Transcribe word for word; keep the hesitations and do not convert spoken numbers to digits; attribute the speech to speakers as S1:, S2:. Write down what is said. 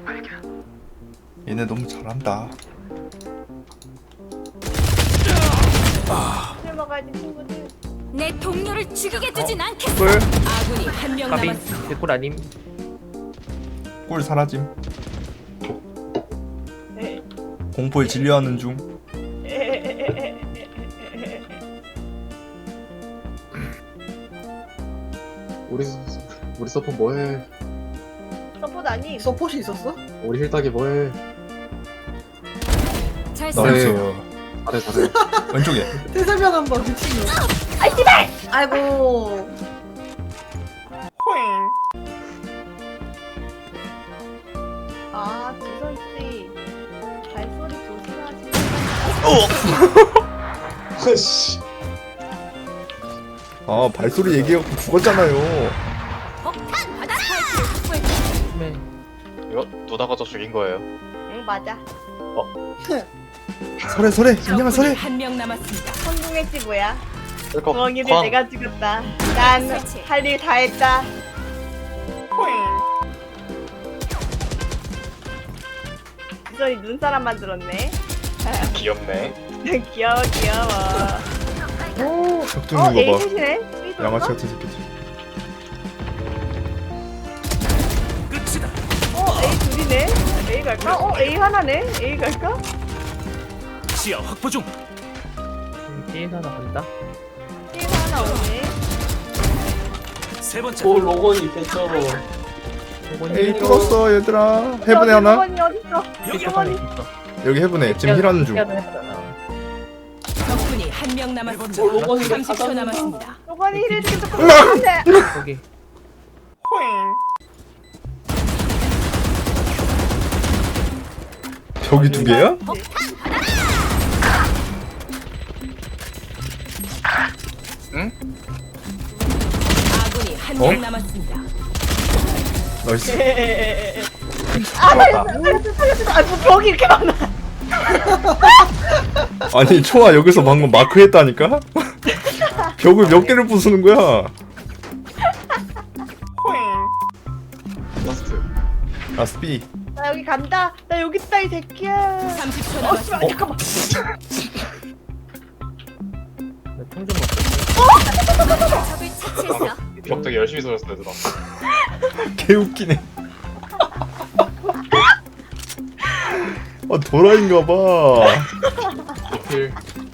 S1: 얘네 너무 잘한다.
S2: 술 먹어야지 친구들.
S3: 내 동료를 죽이게 두진 않겠어.
S1: 꿀,
S3: 아군이 한 명
S4: 까비
S3: 남았습니다.
S4: 개꿀 아님.
S1: 꿀 사라짐.
S2: 에,
S1: 공포에 진료하는 중.
S2: 에, 에, 에, 에, 에.
S5: 우리 우리 서포 뭐해?
S2: 서포트 아니?
S6: 서폿이 있었어?
S5: 우리 힐딱이 뭐해?
S3: 잘
S1: 나이스.
S5: 잘해 잘해.
S1: 왼쪽에.
S6: 태세명 한번 미친놈.
S2: 아이 씨발!
S6: 아이고.
S2: 아 지선 씨 발소리 조심하시.
S5: 아씨.
S1: 아 발소리 얘기해갖고 죽었잖아요.
S3: 폭탄 받아라. 스파이크를 확보했다.
S4: 네.
S7: 이거 누나가 저 죽인 거예요.
S2: 응 맞아.
S1: 설해 설해. 인정한 설해.
S3: 한 명 남았습니다.
S2: 성공했지 뭐야.
S7: 그러니까
S2: 부엉이를
S7: 광-
S2: 내가 죽였다. 난 할 일 다 했다. 지선이 눈사람 만들었네.
S7: 귀엽네.
S2: 귀여워 귀여워. 어
S1: 격투는 거 봐.
S2: 에이셋이네. 삐뚤어?
S1: 양아치 같은 새끼지.
S2: 어 A 둘이네. A 갈까? 어 A 하나네. A 갈까?
S8: 시야 확보 중.
S4: 게임 하나 간다.
S2: A 하나 오네.
S8: 세 번째.
S5: 오 로건이 개쩔어.
S1: 에이 뚫었어 얘들아. 해븐에 하나.
S2: 로건이 어딨어?
S8: 여기
S2: 로건이.
S1: 여기 해븐에 지금 힐하는 중.
S3: 적군이 한 명 남았습니다.
S5: 어, 로건이가
S3: 삼십 초 남았습니다.
S2: 로건이 힐을 주겠다. 안돼.
S4: 거기.
S1: 벽이 두 개야?
S3: 아군이 한
S1: 어?
S3: 명 남았습니다.
S1: 나이스.
S2: 아뭐 벽이 이렇게 많아.
S1: 아니 초아 여기서 방금 마크 했다니까? 벽을 몇 개를 부수는 거야?
S5: 라스트.
S1: 라스 B.
S2: 나 여기 간다. 나 여기 있다 이 새끼야.
S3: 삼십 초
S2: 어
S3: 남았습니다.
S2: 씨발 잠깐만.
S4: 통좀 먹자.
S3: 적을 처치했어.
S7: 벽 되게 열심히 쏘였어 얘들아.
S1: 개웃기네. 아 도라인가 봐.
S5: 어필.